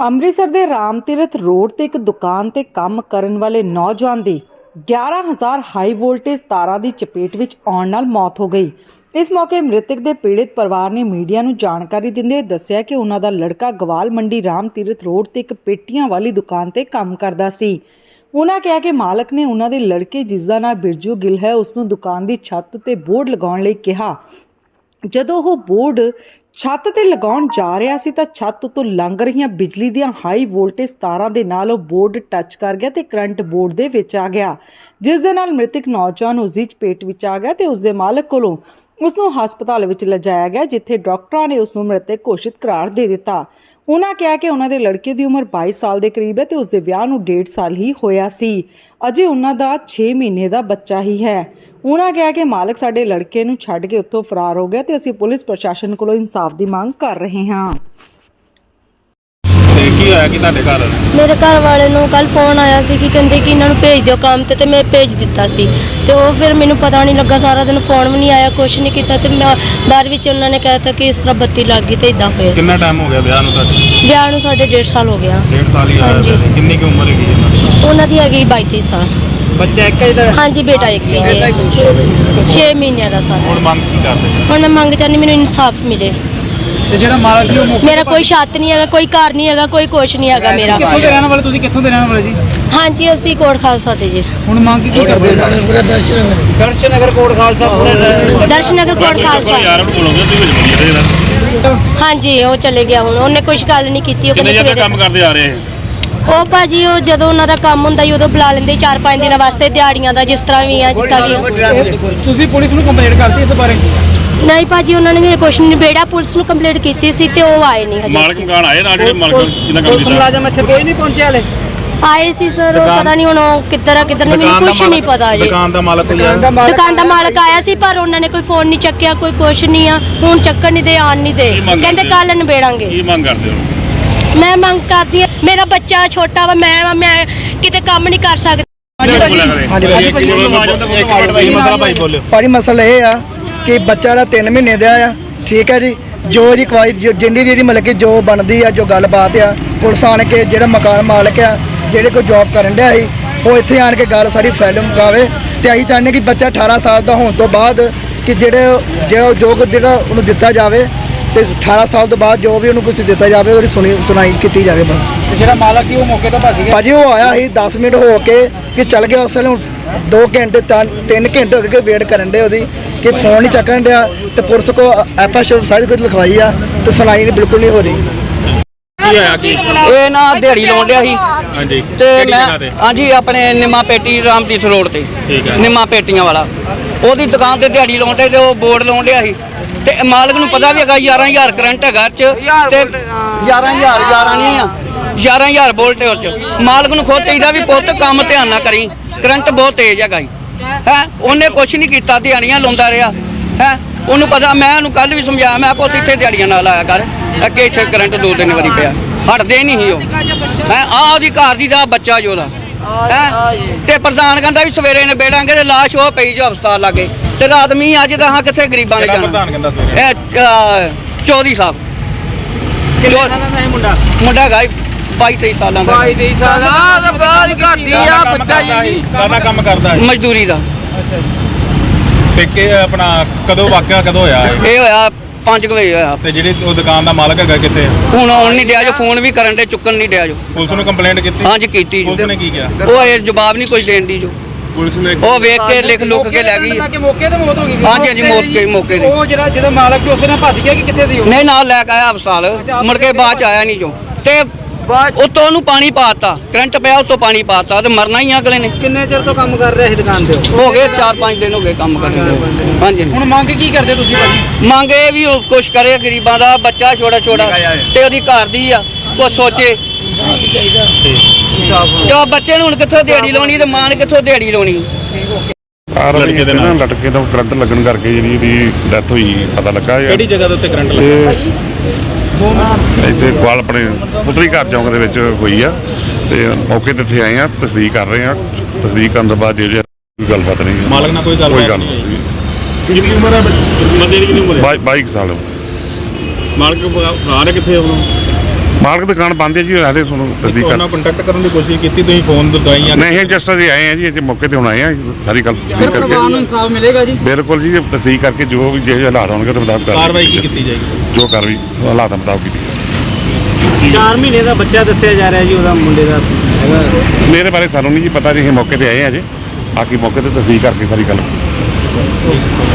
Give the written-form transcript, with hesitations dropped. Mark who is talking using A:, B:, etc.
A: ਅੰਮ੍ਰਿਤਸਰ ਦੇ ਰਾਮ ਤੀਰਥ ਰੋਡ ਤੇ ਇੱਕ ਦੁਕਾਨ ਤੇ ਕੰਮ ਕਰਨ ਵਾਲੇ ਨੌਜਵਾਨ ਦੀ 11000 ਹਾਈ ਵੋਲਟੇਜ ਤਾਰਾਂ ਦੀ ਚਪੇਟ ਵਿੱਚ ਆਉਣ ਨਾਲ ਮੌਤ ਹੋ ਗਈ। ਇਸ ਮੌਕੇ ਮ੍ਰਿਤਕ ਦੇ ਪੀੜਿਤ ਪਰਿਵਾਰ ਨੇ ਮੀਡੀਆ ਨੂੰ ਜਾਣਕਾਰੀ ਦਿੰਦੇ ਹੋਏ ਦੱਸਿਆ ਕਿ ਉਹਨਾਂ ਦਾ ਲੜਕਾ ਗਵਾਲ ਮੰਡੀ ਰਾਮ ਤੀਰਥ ਰੋਡ ਤੇ ਇੱਕ ਪੇਟੀਆਂ ਵਾਲੀ ਦੁਕਾਨ ਤੇ ਕੰਮ ਕਰਦਾ ਸੀ। ਉਹਨਾਂ ਕਿਹਾ ਕਿ ਮਾਲਕ ਨੇ ਉਹਨਾਂ ਦੇ ਲੜਕੇ ਜਿਸ ਦਾ ਨਾਂ ਬਿਰਜੂ ਗਿੱਲ ਹੈ ਉਸ ਨੂੰ ਦੁਕਾਨ ਦੀ ਛੱਤ ਤੇ ਬੋਰਡ ਲਗਾਉਣ ਲਈ ਕਿਹਾ। ਜਦੋਂ ਉਹ ਬੋਰਡ ਛੱਤ ਤੇ ਲਗਾਉਣ ਜਾ ਰਿਹਾ ਸੀ ਤਾਂ ਛੱਤ ਤੋਂ ਲੰਘ ਰਹੀਆਂ ਬਿਜਲੀ ਦੀਆਂ ਹਾਈ ਵੋਲਟੇਜ ਤਾਰਾਂ ਦੇ ਨਾਲ ਉਹ ਬੋਰਡ ਟੱਚ ਕਰ ਗਿਆ ਤੇ ਕਰੰਟ ਬੋਰਡ ਦੇ ਵਿੱਚ ਆ ਗਿਆ, ਜਿਸ ਦੇ ਨਾਲ ਮ੍ਰਿਤਕ ਨੌਜਵਾਨ ਉਸ ਦੀ ਚਪੇਟ ਵਿੱਚ ਆ ਗਿਆ ਤੇ ਉਸ ਦੇ ਮਾਲਕ ਕੋਲੋਂ ਉਸ ਨੂੰ ਹਸਪਤਾਲ ਵਿੱਚ ਲਿਜਾਇਆ ਗਿਆ, ਜਿੱਥੇ ਡਾਕਟਰਾਂ ਨੇ ਉਸ ਨੂੰ ਮ੍ਰਿਤਕ ਘੋਸ਼ਿਤ ਕਰਾਰ ਦੇ ਦਿੱਤਾ। ਉਹਨਾਂ ਕਿਹਾ ਕਿ ਉਹਨਾਂ ਦੇ ਲੜਕੇ ਦੀ ਉਮਰ 22 ਸਾਲ ਦੇ ਕਰੀਬ ਹੈ ਤੇ ਉਸ ਦੇ ਵਿਆਹ ਨੂੰ 1.5 ਸਾਲ ਹੀ ਹੋਇਆ ਸੀ। ਅਜੇ ਉਹਨਾਂ ਦਾ 6 ਮਹੀਨੇ ਦਾ ਬੱਚਾ ਹੀ ਹੈ। ਉਹਨਾਂ ਕਿਹਾ ਕਿ ਮਾਲਕ ਸਾਡੇ ਲੜਕੇ ਨੂੰ ਛੱਡ ਕੇ ਉੱਥੋਂ ਫਰਾਰ ਹੋ ਗਿਆ ਤੇ ਅਸੀਂ ਪੁਲਿਸ ਪ੍ਰਸ਼ਾਸਨ ਕੋਲੋਂ ਇਨਸਾਫ ਦੀ ਮੰਗ ਕਰ ਰਹੇ ਹਾਂ।
B: ਕੀ ਹੋਇਆ ਕਿ ਤੁਹਾਡੇ ਘਰ
C: ਮੇਰੇ ਘਰ ਵਾਲੇ ਨੂੰ ਕੱਲ ਫੋਨ ਆਇਆ ਸੀ ਕਿ ਕਹਿੰਦੇ ਕਿ ਇਹਨਾਂ ਨੂੰ ਭੇਜ ਦਿਓ ਕੰਮ ਤੇ ਮੈਂ ਭੇਜ ਦਿੱਤਾ ਸੀ ਤੇ ਉਹ ਫਿਰ ਮੈਨੂੰ ਪਤਾ ਨਹੀਂ ਲੱਗਾ, ਸਾਰਾ ਦਿਨ ਫੋਨ ਵੀ ਨਹੀਂ ਆਇਆ, ਕੁਛ ਨਹੀਂ ਕੀਤਾ ਤੇ ਮੈਂ ਬਾਅਦ ਵਿੱਚ ਉਹਨਾਂ ਨੇ ਕਹਿਤਾ ਕਿ ਇਸ ਤਰ੍ਹਾਂ ਬੱਤੀ ਲੱਗ ਗਈ ਤੇ ਇਦਾਂ ਹੋਇਆ।
B: ਕਿੰਨਾ ਟਾਈਮ ਹੋ ਗਿਆ ਵਿਆਹ ਨੂੰ ਤੁਹਾਡੇ?
C: ਵਿਆਹ ਨੂੰ ਸਾਡੇ 1.5 ਸਾਲ ਹੋ ਗਿਆ।
B: 1.5 ਸਾਲ ਹੀ ਹੋਇਆ। ਕਿੰਨੀ ਕੁ ਉਮਰ ਹੈਗੀ
C: ਉਹਨਾਂ ਦੀ ਹੈਗੀ 22 ਸਾਲ।
B: ਬੱਚਾ ਇੱਕ ਹੀ?
C: ਹਾਂਜੀ ਬੇਟਾ ਇੱਕ ਹੀ ਹੈ, 6 ਮਹੀਨਿਆਂ ਦਾ ਸਾਰਾ।
B: ਹੁਣ ਮੰਗ ਕੀ ਕਰਦੇ?
C: ਹੁਣ ਮੈਂ ਮੰਗ ਚਾਹੁੰਦੀ ਮੈਨੂੰ ਇਨਸਾਫ ਮਿਲੇ।
B: ਤੇ ਜਿਹੜਾ ਮਾਲਕ ਸੀ ਉਹ
C: ਮੇਰਾ ਕੋਈ ਛੱਤ ਨਹੀਂ ਹੈਗਾ, ਕੋਈ ਘਰ ਨਹੀਂ ਹੈਗਾ, ਕੋਈ ਕੁਛ ਨਹੀਂ ਹੈਗਾ ਮੇਰਾ।
B: ਕਿੱਥੋਂ ਦੇ ਰਹਿਣ ਵਾਲੇ? ਤੁਸੀਂ ਕਿੱਥੋਂ ਦੇ ਰਹਿਣ ਵਾਲੇ ਜੀ?
C: ਹਾਂਜੀ ਅਸੀਂ ਕੋਟ ਖਾਲਸਾ ਤੇ ਜੀ।
B: ਹੁਣ ਮੰਗ ਕੀ ਕਰਦੇ? ਦਰਸ਼ਨਗਰ ਕੋਟ ਖਾਲਸਾ ਪੂਰੇ
C: ਦਰਸ਼ਨਗਰ ਕੋਟ ਖਾਲਸਾ। ਹਾਂਜੀ ਉਹ ਚਲੇ ਗਿਆ, ਹੁਣ ਉਹਨੇ ਕੁਝ ਗੱਲ ਨਹੀਂ ਕੀਤੀ। ਉਹ ਕਹਿੰਦੇ ਸਵੇਰੇ
B: ਕੰਮ ਕਰਦੇ ਆ ਰਹੇ।
C: ਉਹ ਭਾਜੀ ਉਹ ਜਦੋਂ ਉਹਨਾਂ ਦਾ ਕੰਮ ਹੁੰਦਾ ਹੀ ਉਦੋਂ ਬੁਲਾ ਲੈਂਦੇ 4-5 ਦਿਨਾਂ ਵਾਸਤੇ ਦਿਹਾੜੀਆਂ ਦਾ, ਜਿਸ ਤਰ੍ਹਾਂ ਵੀ ਆ ਜਿੱਦਾਂ ਵੀ।
B: ਤੁਸੀਂ ਪੁਲਿਸ ਨੂੰ ਕੰਪਲੇਂਟ ਕਰਤੀ ਇਸ ਬਾਰੇ?
C: ਨਹੀਂ ਭਾਜੀ ਉਹਨਾਂ ਨੇ ਵੀ ਕੁਛ ਨਹੀਂ ਬੇੜਾ, ਪੁਲਿਸ ਨੂੰ ਕੰਪਲੇਂਟ ਕੀਤੀ ਸੀ ਤੇ ਉਹ ਆਏ ਨਹੀਂ ਹਜੇ।
B: ਮਾਲਕ ਮਕਾਨ ਆਏ ਨਾਲ ਜਿਹੜੇ ਮਾਲਕ ਜਿੰਨਾ ਕੰਮ ਕੀਤਾ। ਮੁਲਾਜ਼ਮ ਇੱਥੇ ਕੋਈ ਨਹੀਂ ਪਹੁੰਚਿਆ ਹਲੇ?
C: ਆਏ ਸੀ ਸਰ, ਉਹ ਪਤਾ ਨਹੀਂ ਹੁਣ ਉਹ ਕਿੱਧਰ ਆ ਕਿੱਧਰ ਨਹੀਂ, ਮੈਨੂੰ ਕੁਝ ਨਹੀਂ ਪਤਾ ਜੀ।
B: ਦੁਕਾਨ ਦਾ ਮਾਲਕ
C: ਦੁਕਾਨ ਦਾ ਮਾਲਕ ਆਇਆ ਸੀ ਪਰ ਉਹਨਾਂ ਨੇ ਕੋਈ ਫੋਨ ਨਹੀਂ ਚੱਕਿਆ, ਕੋਈ ਕੁਛ ਨਹੀਂ ਆ। ਹੁਣ ਚੱਕਣ ਨਹੀਂ ਦੇ, ਆਣ ਨਹੀਂ ਦੇ, ਕਹਿੰਦੇ ਕੱਲ ਨਿਬੇੜਾਂਗੇ।
B: ਕੀ ਮੰਗ ਕਰਦੇ ਹੋ?
C: ਮੈਂ ਮੰਗ ਕਰਦੀ ਹਾਂ, ਮੇਰਾ ਬੱਚਾ ਛੋਟਾ ਵਾ, ਮੈਂ ਕਿਤੇ ਕੰਮ ਨਹੀਂ ਕਰ ਸਕਦੀ।
D: ਭਾਜੀ ਮਸਲਾ ਇਹ ਆ ਕਿ ਬੱਚਾ ਦਾ 3 ਮਹੀਨੇ ਦਾ ਆ, ਠੀਕ ਹੈ ਜੀ। ਜੋ ਇਹਦੀ ਕਵਾਈ ਜਿੰਨੀ ਵੀ ਇਹਦੀ ਮਤਲਬ ਕਿ ਜੋ ਬਣਦੀ ਆ, ਜੋ ਗੱਲਬਾਤ ਆ, ਪੁਲਿਸ ਆਣ ਕੇ ਜਿਹੜਾ ਮਕਾਨ ਮਾਲਕ ਆ, ਜਿਹੜੇ ਕੋਈ ਜੌਬ ਕਰਨ ਡਿਆ ਸੀ, ਉਹ ਇੱਥੇ ਆਣ ਕੇ ਗੱਲ ਸਾਰੀ ਫਾਈਲ ਮੁਕਾਵੇ। ਤੇ ਅਸੀਂ ਚਾਹੁੰਦੇ ਕਿ ਬੱਚਾ 18 ਸਾਲ ਦਾ ਹੋਣ ਤੋਂ ਬਾਅਦ ਕਿ ਜੋ ਜਿਹੜਾ ਉਹਨੂੰ ਦਿੱਤਾ ਜਾਵੇ ਤੇ 18 ਸਾਲ ਤੋਂ ਬਾਅਦ ਜੋ ਵੀ ਉਹਨੂੰ ਕੁਝ ਦਿੱਤਾ ਜਾਵੇ ਉਹਦੀ ਸੁਣਾਈ ਕੀਤੀ ਜਾਵੇ ਬਸ।
B: ਜਿਹੜਾ ਮਾਲਕ ਸੀ ਉਹ ਮੌਕੇ ਤੋਂ ਭੱਜ ਗਿਆ?
D: ਭਾਜੀ ਉਹ ਆਇਆ ਸੀ 10 ਮਿੰਟ ਹੋ ਕੇ ਕਿ ਚੱਲ ਗਿਆ। ਉਸ ਵੇਲੇ 2 ਘੰਟੇ 3 ਘੰਟੇ ਹੋ ਗਏ ਵੇਟ ਕਰਨ ਦੇ ਉਹਦੀ ਕਿ ਫੋਨ ਨਹੀਂ ਚੱਕਣ ਡਿਆ ਤੇ ਪੁਲਿਸ ਕੋ ਐਫਆਈਆਰ ਸਾਰੀ ਕੁਝ ਲਿਖਵਾਈ ਆ ਤੇ ਸੁਣਾਈ ਨਹੀਂ ਬਿਲਕੁਲ ਨਹੀਂ ਹੋ ਰਹੀ।
B: ਕੀ ਹੋਇਆ ਕੀ?
E: ਇਹ ਨਾ ਦਿਹਾੜੀ ਲਾਉਣ ਡਿਆ ਸੀ।
B: ਹਾਂਜੀ
E: ਤੇ ਮੈਂ ਹਾਂਜੀ ਆਪਣੇ ਨਿੰਮਾ ਪੇਟੀ ਰਾਮ ਤੀਰਥ ਰੋਡ ਤੇ ਨਿੰਮਾ ਪੇਟੀਆਂ ਵਾਲਾ ਉਹਦੀ ਦੁਕਾਨ ਤੇ ਦਿਹਾੜੀ ਲਾਉਣ ਤੇ ਉਹ ਬੋਰਡ ਲਾਉਣ ਡਿਆ ਸੀ ਤੇ ਮਾਲਕ ਨੂੰ ਪਤਾ ਵੀ ਹੈਗਾ 11000 ਕਰੰਟ ਹੈਗਾ ਚ ਤੇ 11000 ਨਹੀਂ ਆ 11000 ਵੋਲਟ ਉਹ ਚ। ਮਾਲਕ ਨੂੰ ਖੁਦ ਚਾਹੀਦਾ ਵੀ ਪੁੱਤ ਕੰਮ ਧਿਆਨ ਨਾਲ ਕਰੀ, ਕਰੰਟ ਬਹੁਤ ਤੇਜ਼ ਹੈਗਾ ਹੈ। ਉਹਨੇ ਕੁਛ ਨਹੀਂ ਕੀਤਾ, ਦਿਹਾੜੀਆਂ ਲਾਉਂਦਾ ਰਿਹਾ ਹੈ। ਉਹਨੂੰ ਪਤਾ, ਮੈਂ ਉਹਨੂੰ ਕੱਲ ਵੀ ਸਮਝਾਇਆ, ਮੈਂ ਪੁੱਤ ਇੱਥੇ ਦਿਹਾੜੀਆਂ ਨਾਲ ਆਇਆ ਕਰ, ਅੱਗੇ ਇੱਥੇ ਕਰੰਟ 2-3 ਵਾਰੀ ਪਿਆ, ਹਟਦੇ ਨਹੀਂ ਸੀ ਉਹ ਹੈ। ਆਹ ਉਹਦੀ ਘਰ ਦੀ ਦਾ ਬੱਚਾ ਜੋ ਉਹਦਾ ਹੈ ਤੇ ਪ੍ਰਧਾਨ ਕਹਿੰਦਾ ਵੀ ਸਵੇਰੇ ਨਿਬੇੜਾਂਗੇ ਤੇ ਲਾਸ਼ ਉਹ ਪਈ ਜੋ ਹਸਪਤਾਲ ਲਾਗੇ ਤੇ ਰਾਤ ਮੀਂਹ ਅੱਜ ਤਾਂ ਕਿੱਥੇ ਗਰੀਬਾਂ ਨੇ ਜਾਣਾ।
B: ਪ੍ਰਧਾਨ ਕਹਿੰਦਾ ਸਵੇਰੇ
E: ਇਹ ਚੌਧਰੀ ਸਾਹਿਬ ਮੁੰਡਾ ਹੈਗਾ 22-23 ਸਾਲਾਂ ਦਾ।
B: 22-23 ਸਾਲ ਦਾ ਬਾਅਦ ਘਾਟੀ ਆ ਬੱਚਾ ਜੀ। ਕਾਹਦਾ ਕੰਮ ਕਰਦਾ ਹੈ?
E: ਮਜ਼ਦੂਰੀ ਦਾ।
B: ਅੱਛਾ ਜੀ। ਤੇ ਕਿ ਆਪਣਾ ਕਦੋਂ ਵਾਕਿਆ ਕਦੋਂ ਹੋਇਆ
E: ਇਹ ਹੋਇਆ 5 ਵਜੇ ਹੋਇਆ।
B: ਤੇ ਜਿਹੜੀ ਉਹ ਦੁਕਾਨ ਦਾ ਮਾਲਕ ਹੈਗਾ ਕਿੱਥੇ?
E: ਹੁਣ ਆਉਣ ਨਹੀਂ ਡਿਆ ਜੋ, ਫੋਨ ਵੀ ਕਰਨ ਦੇ, ਚੁੱਕਣ ਨਹੀਂ ਡਿਆ ਜੋ।
B: ਪੁਲਿਸ ਨੂੰ ਕੰਪਲੇਂਟ ਕੀਤੀ?
E: ਹਾਂਜੀ ਕੀਤੀ।
B: ਪੁਲਿਸ ਨੇ ਕੀ ਕਿਹਾ?
E: ਉਹ ਇਹ ਜਵਾਬ ਨਹੀਂ ਕੁਝ ਦੇਣ ਦੀ ਜੋ।
B: ਪੁਲਿਸ ਨੇ
E: ਉਹ ਵੇਖ ਕੇ ਲਿਖ ਲੁੱਕ ਕੇ ਲੈ ਗਈ।
B: ਮੌਕੇ ਤੇ ਮੌਤ ਹੋ ਗਈ ਸੀ?
E: ਹਾਂਜੀ ਹਾਂਜੀ ਮੌਕੇ ਤੇ।
B: ਉਹ ਜਿਹੜਾ ਮਾਲਕ ਸੀ ਉਸੇ ਨਾਲ ਭੱਜ ਗਿਆ ਕਿ ਕਿੱਥੇ ਸੀ ਉਹ?
E: ਨਹੀਂ ਨਾਲ ਲੈ ਕੇ ਆਇਆ ਹਸਪਤਾਲ, ਮੁੜ ਕੇ ਬਾਅਦ ਚ ਆਇਆ ਨਹੀਂ ਜੋ। ਤੇ ਉੱਤੋਂ ਉਹਨੂੰ ਪਾਣੀ ਪਾਤਾ, ਕਰੰਟ ਪਿਆ ਉੱਤੋਂ ਪਾਣੀ ਪਾਤਾ ਤੇ ਮਰਨਾ ਹੀ ਅਗਲੇ ਨੇ।
B: ਕਿੰਨੇ ਚਿਰ ਤੋਂ ਕੰਮ ਕਰ ਰਿਹਾ ਸੀ ਦੁਕਾਨ ਤੇ?
E: ਹੋ ਗਏ 4-5 ਦਿਨ ਹੋ ਗਏ ਕੰਮ ਕਰਦੇ। ਹਾਂਜੀ
B: ਹੁਣ ਮੰਗ ਕੀ ਕਰਦੇ ਤੁਸੀਂ ਭਾਜੀ?
E: ਮੰਗ ਇਹ ਵੀ ਉਹ ਕੁਛ ਕਰੇ, ਗਰੀਬਾਂ ਦਾ ਬੱਚਾ ਛੋਟਾ ਤੇ ਉਹਦੀ ਘਰ ਦੀ ਆ, ਉਹ ਸੋਚੇ। ਜੋ ਬੱਚੇ ਨੂੰ ਹੁਣ ਕਿੱਥੋਂ ਦਿਹਾੜੀ ਲਾਉਣੀ ਤੇ ਮਾਂ ਨੇ ਕਿੱਥੋਂ ਦਿਹਾੜੀ ਲਾਉਣੀ?
F: ਲੜਕੇ ਦੇ ਨਾਲ ਲਟਕੇ ਤੋਂ ਕਰੰਟ ਲੱਗਣ ਕਰਕੇ ਜਿਹੜੀ ਇਹਦੀ ਡੈਥ ਹੋਈ ਪਤਾ ਲੱਗਾ।
B: ਕਿਹੜੀ ਜਗ੍ਹਾ ਦੇ ਉੱਤੇ ਕਰੰਟ ਲੱਗਾ?
F: ਇੱਥੇ ਕੋਲ ਆਪਣੇ ਪੁੱਤਰੀ ਘਰ ਚੌਂਕ ਦੇ ਵਿੱਚ ਹੋਈ ਆ ਤੇ ਮੌਕੇ ਤੇ ਇੱਥੇ ਆਏ ਆ, ਤਸਦੀਕ ਕਰ ਰਹੇ ਆ। ਤਸਦੀਕ ਕਰਨ ਤੋਂ ਬਾਅਦ ਜੇ ਕੋਈ ਗੱਲਬਾਤ ਨਹੀਂ।
B: ਮਾਲਕ ਨਾਲ ਕੋਈ ਗੱਲ
F: ਨਹੀਂ।
B: ਕਿੰਨੀ ਉਮਰ ਹੈ ਬੰਦੇ ਦੀ? ਕਿੰਨੀ ਉਮਰ ਹੈ?
F: 22 ਸਾਲ।
B: ਮਾਲਕ ਭਰਾ ਕਿੱਥੇ?
F: ਮਾਲਕ ਦੁਕਾਨ ਬੰਦ ਹੈ ਜੀ, ਹਾਲੇ ਤੁਹਾਨੂੰ ਤਸਦੀਕ ਕਰ
B: ਕੰਟੈਕਟ ਕਰਨ ਦੀ ਕੋਸ਼ਿਸ਼ ਕੀਤੀ ਤੁਸੀਂ ਫੋਨ ਦਵਾਈਆਂ
F: ਨਹੀਂ ਜਸਟ ਅਸੀਂ ਆਏ ਆ ਜੀ, ਇੱਥੇ ਮੌਕੇ ਤੇ ਹੁਣ ਆਏ ਆ, ਸਾਰੀ ਗੱਲ ਤਸਦੀਕ ਕਰਕੇ
E: ਇਨਸਾਫ ਮਿਲੇਗਾ ਜੀ।
F: ਬਿਲਕੁਲ ਜੀ, ਤਸਦੀਕ ਕਰਕੇ ਜੋ ਵੀ ਜਿਹੇ ਹਾਲਾਤ ਹੋਣਗੇ ਉਹਦੇ ਮੁਤਾਬਕ
B: ਕਾਰਵਾਈ ਕੀ ਕੀਤੀ ਜਾਏਗੀ?
F: ਜੋ ਕਾਰਵਾਈ ਹਾਲਾਤਾਂ ਮੁਤਾਬਕ ਕੀਤੀ।
E: 4 ਮਹੀਨੇ ਦਾ ਬੱਚਾ ਦੱਸਿਆ ਜਾ ਰਿਹਾ ਜੀ, ਉਹਦਾ ਮੁੰਡੇ ਦਾ ਹੈਗਾ।
F: ਮੇਰੇ ਬਾਰੇ ਸਾਨੂੰ ਨਹੀਂ ਜੀ ਪਤਾ ਜੀ, ਅਸੀਂ ਮੌਕੇ ਤੇ ਆਏ ਆ ਜੀ, ਬਾਕੀ ਮੌਕੇ ਤੇ ਤਸਦੀਕ ਕਰਕੇ ਸਾਰੀ ਗੱਲ